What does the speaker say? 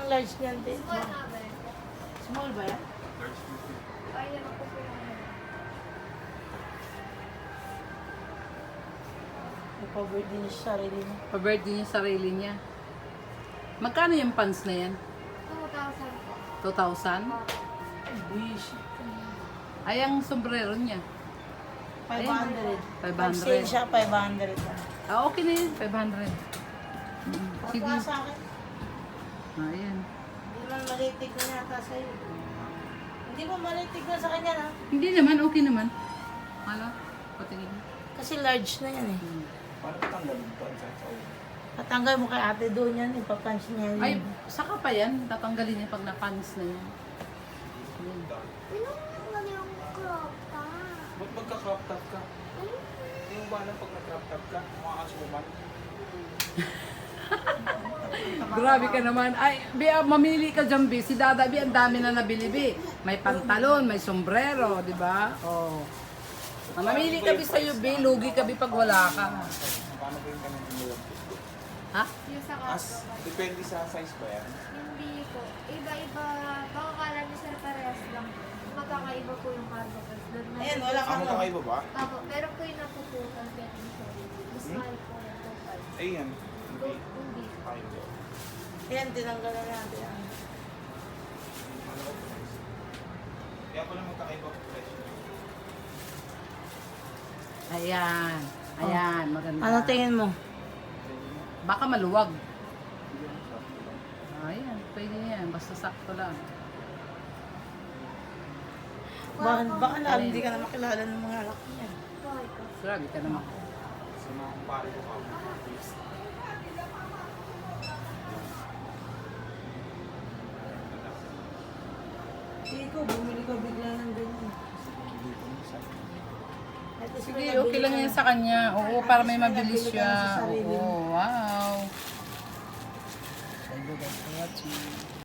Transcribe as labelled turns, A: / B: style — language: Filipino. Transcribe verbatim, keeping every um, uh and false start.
A: large niyan, te.
B: Small na ba?
A: Small ba yan?
B: Ay, yan ako po yung ano.
A: Ipa-birthday niya sa sarili niya.
C: Pa-birthday niya sarili niya. Magkano yung pants na yan?
B: two thousand po.
C: two thousand?
A: Ay, wish.
C: Ay, ang sombrero niya.
A: five hundred.
C: five
A: Pag
C: hundred.
A: sale siya, five hundred.
C: Ah, okay na yun. five hundred. Mm, sige.
A: Pagka sa akin,
C: Ah, ayan.
A: hindi man malitig na yata sa'yo. Hindi mo malitig na sa kanya, ha?
C: Hindi naman, okay naman. Hala, patingin.
A: Kasi large na yan, eh.
C: Hmm.
D: Paano patanggalin to? Sa sa
A: Patanggal mo kay ate doon yan, ipapunch niya yun.
C: Ay, saka pa yan. Tatanggalin niya pag na-pants na yan. Ayan.
B: Pinungan yung crop top.
D: Ba't magka-crop top ka? Hindi mo ba alam pag nag-crop top ka? Mga asuman?
C: Grabe ka naman. Ay, Bi, ah, mamili ka dyan, Bi. Si Dada, Bi, ang dami na nabili, Bi. May pantalon, may sombrero, di ba? Oh. Ah, mamili ka, Bi, sa'yo, Bi. Lugi ka, Bi, pag wala ka.
D: Paano ba yung ganun yung
C: Ha?
B: Yung sa
D: As,
B: crop top.
D: depende sa size ba yan?
B: Hindi po. Iba-iba. Baka kala niyo sir parehas lang. Magkakaiba po yung cargo press. Doon na.
A: Ayan, wala
D: Ah,
A: kang
D: magkakaiba ba?
B: Apo, pero po yung napuputan. Kaya yung sorry. Mas
D: Hmm?
B: mahal po yung total.
D: Ayan. Hindi.
B: Kung kung di.
D: Kaiba.
A: Ayan, tinanggalan natin yan.
D: Kaya pala magkakaiba ang presyo.
C: Ayan. Ayan, maganda.
A: Ano tingin mo?
C: Baka maluwag. Ayan, pwede yan. Basta sakto lang.
A: Baka, baka na, hindi ka na makilala ng mga anak niya.
B: Bakit po?
C: Grabe ka naman.
D: Sa mga kumpare ko ako.
A: Ikaw, bumili ka bigla ng ganyan.
D: Hindi ko minsan.
A: At least
C: Sige,
A: may
C: okay
A: nabili
C: lang
A: ka
C: yan
A: na.
C: sa kanya. Oo, para may
A: At least may
C: mabilis
A: nabili ka
C: siya.
A: na sa sarili
C: Oo,
A: mo.
C: wow. Thank you guys for watching.